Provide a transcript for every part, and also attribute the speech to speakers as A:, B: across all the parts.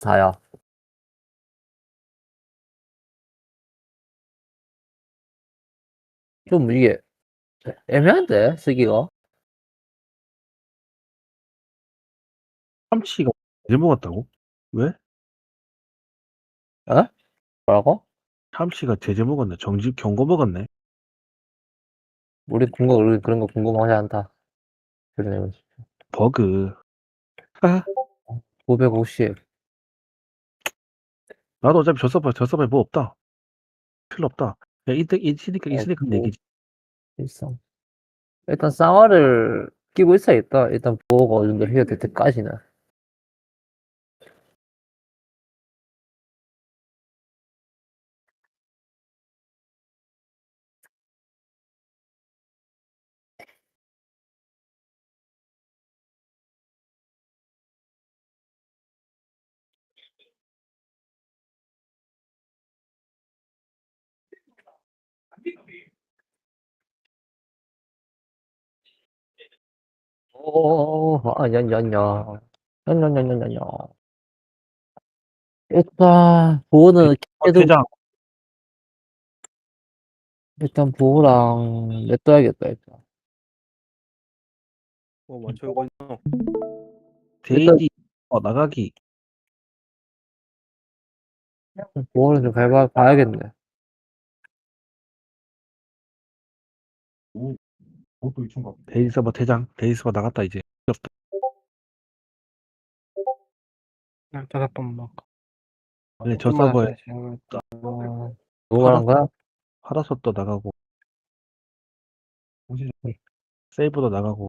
A: 4야. 좀 이게 애매한데 쓰기가.
B: 참치가 제제 먹었다고? 왜?
A: 에? 뭐라고?
B: 참치가 제제 먹었네. 정집 경고 먹었네.
A: 우리 그런 거 궁금하지 않다. 그러네.
B: 버그. 아,
A: 950.
B: 나도 어차피 저 서버에 뭐 없다. 필요 없다. 야, 있으니까
A: 뭐,
B: 얘기지.
A: 일상. 일단 쌍화를 끼고 있어야겠다. 일단 보호가 어느 정도 해결될 때까지는. 냐냐냐냐. 일단 보호는 해도
B: 퇴장.
A: 일단 보호랑 냅둬야겠다. 일단.
C: 먼저 이거 있노?
A: 일단
B: 데이지 나가기.
A: 보호는 좀 봐야겠네.
B: 데이지 서버 퇴장. 데이지 서버 나갔다 이제. 없다.
C: 잠깐만.
B: 아니, 저 서버에
A: 누구 말한 거야?
B: 파라솔도 나가고 세이브도 나가고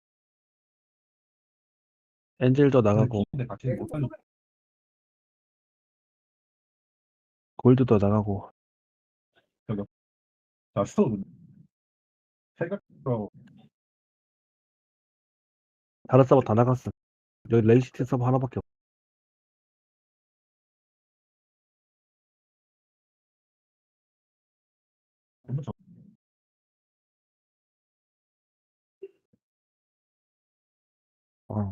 B: 엔젤도 나가고 골드도 나가고 다른 서버 다 나갔어. 여기 레이시티 서버 하나밖에 없어. 어.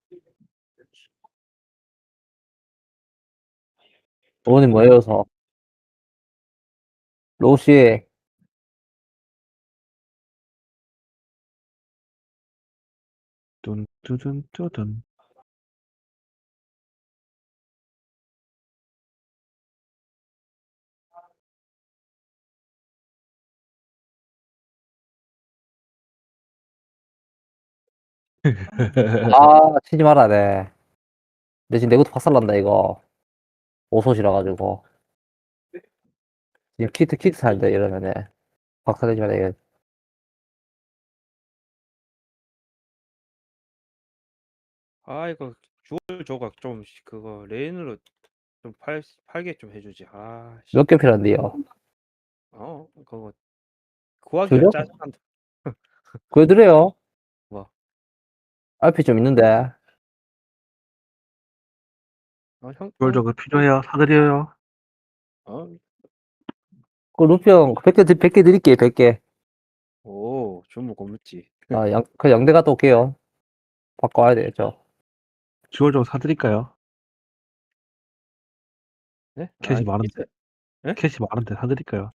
A: 보호는 뭐여서 로시
B: 뚠.
A: 치지 말아야 돼. 대신 내구도 박살난다 이거. 오솥이라 가지고. 지금 키트 사야 돼 이러면은 박살내지 말아야 돼.
C: 이거 주얼 조각 좀 그거 레인으로 좀 팔게 좀 해주지.
A: 몇 개 필요한데요?
C: 그거 구하기가
A: 주력?
C: 짜증난다.
A: 보여드려요.
C: 뭐?
A: RP 좀 있는데.
C: 형,
B: 그걸 저거 필요해요. 사드려요.
A: 그 루피 형 100개 드릴게요. 100개.
C: 오, 주문 고맙지.
A: 그 양대 갔다 올게요. 바꿔야 되죠.
B: 주얼 좀 사드릴까요?
C: 네?
B: 캐시 많은데.
C: 있어요. 네?
B: 캐시 많은데 사드릴까요?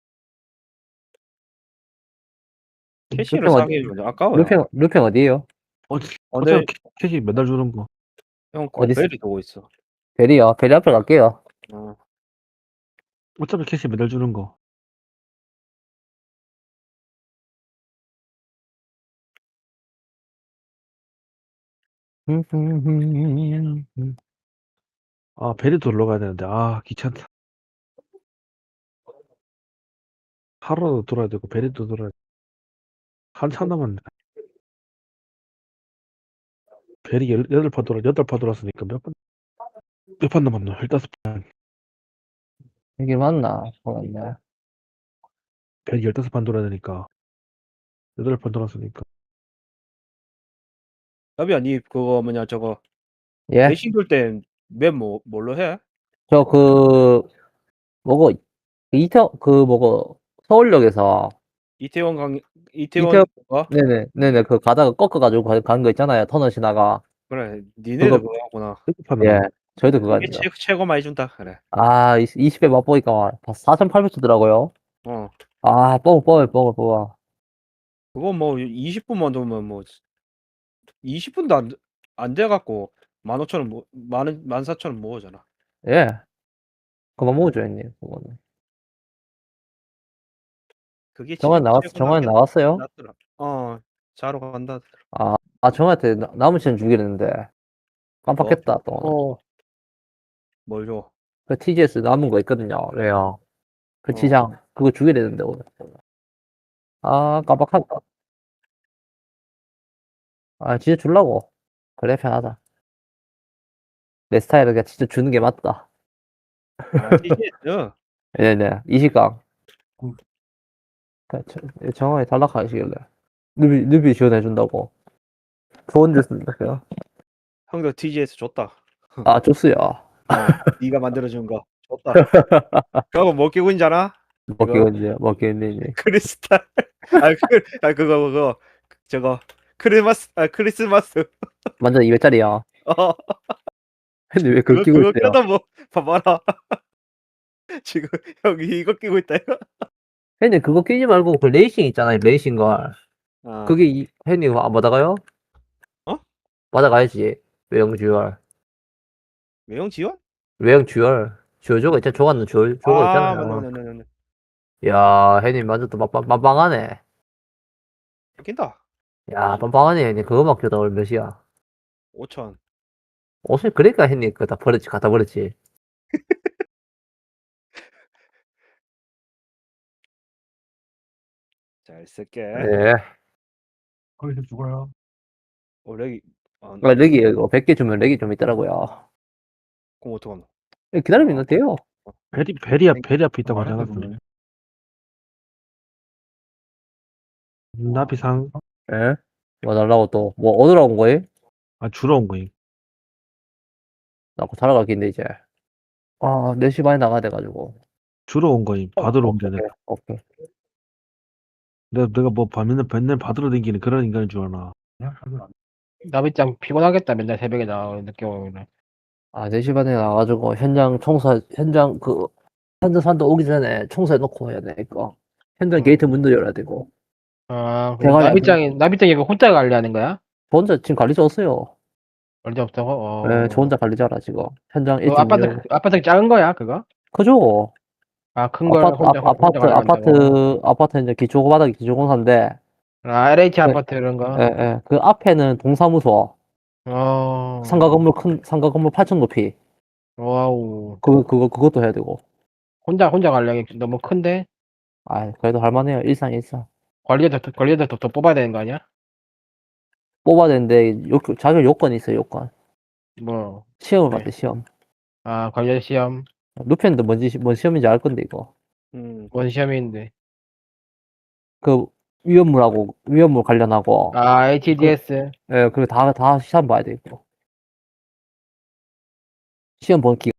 C: 캐시를 사기 아까워요.
A: 루피 형 어디에요?
B: 어차피 캐시 맨날 주는 거.
C: 형,
A: 어디 있어?
C: 베리 두고 있어.
A: 베리요. 베리 앞에 갈게요.
B: 어차피 캐시 맨날 주는 거. 아, 베리도 올라가야 되는데. 아, 귀찮다. 하루도 돌아야 되고, 베리도 돌아야 되고. 한참 남았네. 베리 8판 돌았으니까 몇 판 남았노? 15판.
A: 이게 맞나? 맞네.
B: 베리 15판 돌아야 되니까. 8판 돌았으니까.
C: 야비야, 니 그거 뭐냐 저거
A: 예?
C: 레이싱 돌때맵 뭘로 해?
A: 저 뭐고, 뭐고, 서울역에서,
C: 이태원 거?
A: 네네, 그 가다가 꺾어가지고 가는 거 있잖아요. 터널 지나가.
C: 그래, 니네들
A: 그거,
C: 그거 하구나.
B: 7판
A: 예.
B: 남았네.
A: 저희도 그거
C: 이게
A: 아니죠.
C: 최고 많이 준다. 그래.
A: 아, 20배 맛보니까 4,800 주더라고요.
C: 어.
A: 아, 뽑아.
C: 그거 뭐 20분만 넣으면 뭐 20분도 안 돼갖고 15,000원 뭐 14,000원 모으잖아.
A: 예. 그만 먹어줘, 형님. 그거는.
C: 그게
A: 정환 나갔어요?
C: 낫더라. 자러 간다.
A: 정한테 남은 시간 주기로 했는데. 깜빡했다, 또.
D: 어,
C: 뭘 줘?
A: 그 TGS 남은 거 있거든요. 왜요? 그
C: 어.
A: 지장. 그거 주기로 했는데, 오늘. 아, 깜빡했다. 아, 진짜 줄라고. 그래, 편하다. 내 스타일은 그냥 진짜 주는 게 맞다.
C: TGS.
A: 네네. 이시강.
D: 음.
A: 정원이 탈락하시길래. 누비 지원해준다고. 좋은 줄 쓴다, 그냥.
C: 형도 TGS 줬다.
A: 아, 좋수요.
C: 네가 만들어준 거 줬다. 그거 뭐 끼고 있잖아?
A: 먹겠는지.
C: 크리스탈. 그거 저거 크리스마스.
A: 완전 200짜리야.
C: 어,
A: 근데 왜 그걸 끼고
C: 그거
A: 있어요?
C: 껴다 뭐 봐봐라. 지금 여기 이거 끼고 있다 이거.
A: 형님, 그거 끼지 말고, 그 레이싱 있잖아요, 레이싱 걸.
C: 아,
A: 그게, 형님, 그거 안 받아가요?
C: 어?
A: 받아가야지. 외형 듀얼.
C: 외형 지원?
A: 외형 듀얼. 조조가 있잖아, 조가는 조가 있잖아요.
C: 맞네.
A: 야, 형님, 완전 또 빵빵하네.
C: 낀다.
A: 야, 빵빵하네, 형님. 그거만 껴도 얼마 몇이야?
C: 5천.
A: 옷을, 그러니까 형님, 그거 다 버렸지, 갖다 버렸지.
C: 잘 쓸게.
A: 예.
D: 거기서 죽어요.
C: 렉이
A: 렉이, 이거 100개 주면 렉이 좀 있더라고요.
C: 그럼 어떡하노?
A: 기다리면 있는 돼요.
B: 베리 앞에 있다고 하잖아. 그러면. 나비상.
A: 예? 뭐 달라고 또, 뭐 얻으러 온 거예요?
B: 아, 주러 온 거임.
A: 나고 자러 갈긴데, 이제. 아, 4시 반에 나가야 돼가지고.
B: 주러 온 거임. 받으러 온 게 아니라.
A: 오케이.
B: 내가 뭐 맨날 받으러 다니는 그런 인간인 줄 아나.
D: 나비짱 피곤하겠다. 맨날 새벽에 나와 늦게 오면.
A: 아, 4시 반에 나가가지고, 현장 산도 오기 전에 청소해놓고 해야 되니까. 현장 게이트 문도 열어야 되고.
D: 아,
A: 대가리
D: 나비짱이 이거 혼자 관리하는 거야?
A: 저 혼자 지금 관리자 없어요.
D: 관리자 없다고?
A: 네, 저 혼자 관리자라, 지금. 현장
D: 그
A: 일찍
D: 아파트 작은 거야, 그거?
A: 그죠?
D: 아, 큰 걸 혼자
A: 아파트 이제 기초바닥이 기초공사인데,
D: 아, LH
A: 네.
D: 아파트 이런 거?
A: 예. 그 앞에는 동사무소, 상가 건물 8층 높이.
D: 와우.
A: 그것도 해야 되고.
D: 혼자 관리하기 너무 큰데?
A: 아, 그래도 할만해요. 일상.
D: 관리자도 더 뽑아야 되는 거 아니야?
A: 뽑아야 되는데, 자격 요건이 있어요, 요건.
D: 뭐,
A: 시험을
D: 네.
A: 봤대, 시험.
D: 아, 관리자 시험.
A: 루펜도 뭔 시험인지 알 건데, 이거.
D: 뭔 시험인데?
A: 그, 위험물 관련하고.
D: 아, HDS.
A: 예, 그리고 다 시험 봐야 돼, 이거. 시험 본 기간